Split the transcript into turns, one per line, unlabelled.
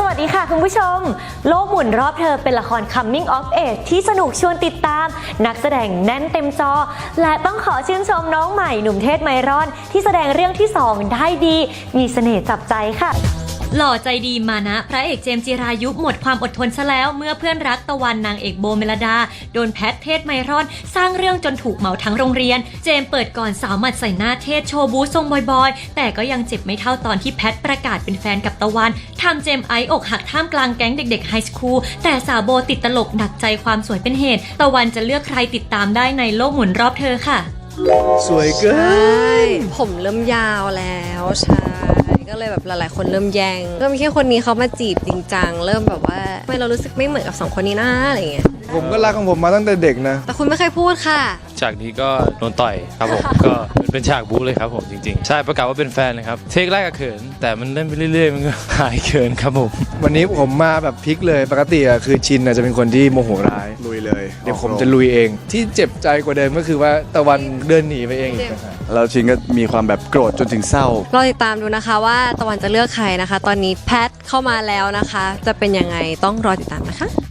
วัสดีค่ะคุณผู้ชมโลกหมุนรอบเธอเป็นละคร Coming of Age ที่สนุกชวนติดตามนักแสดงแน่นเต็มจอและต้องขอชื่นชมน้องใหม่หนุ่มเทศไมรอนที่แสดงเรื่องที่ 2ได้ดีมีเสน่ห์จับใจค่ะ
หล่อใจดีมานะพระเอกเจมส์จิรายุหมดความอดทนซะแล้วเมื่อเพื่อนรักตะวันนางเอกโบเมลดาโดนแพทเทศไมรอนสร้างเรื่องจนถูกเหมาทั้งโรงเรียนเจมส์เปิดก่อนสาวหมัดใส่หน้าเทศโชว์บู๊ทรงบอยๆแต่ก็ยังเจ็บไม่เท่าตอนที่แพทประกาศเป็นแฟนกับตะวันทำเจมส์ไอซ์อกหักท่ามกลางแก๊งเด็กๆไฮสคูลแต่สาวโบติดตลกหนักใจความสวยเป็นเหตุตะวันจะเลือกใครติดตามได้ในโลกหมุนรอบเธอค่ะ
สวยเกิน
ผมเริ่มยาวแล้วใช่ก็เลยแบบหลายๆคนเริ่มแย่งก็มีแค่คนนี้เขามาจีบจริงจังเริ่มแบบว่าทำไมเรารู้สึกไม่เหมือนกับ2คนนี้นะอะไรเงี้ย
ผมก็รักของผมมาตั้งแต่เด็กนะ
แต่คุณไม่เคยพูดค่ะ
ฉากนี้ก็โดนต่อยครับผม ก็เป็นฉากบู๊เลยครับผมจริงๆใช่ประกาศว่าเป็นแฟนเลยครับเทคแรกก็เขินแต่มันเล่นไปเรื่อยๆมันก็หายเขินครับผม
วันนี้ผมมาแบบพลิกเลยปกติอะคือชินจะเป็นคนที่โมโหร้ายลุยเลยเดี๋ยวผมจะลุยเองที่เจ็บใจกว่าเดิมก็คือว่าตะวันเดินหนีไปเอง
แล้วชินก็มีความแบบโกรธจนถึงเศร้าร
อติดตามดูนะคะว่าตะวันจะเลือกใครนะคะตอนนี้แพทเข้ามาแล้วนะคะจะเป็นยังไงต้องรอติดตามนะคะ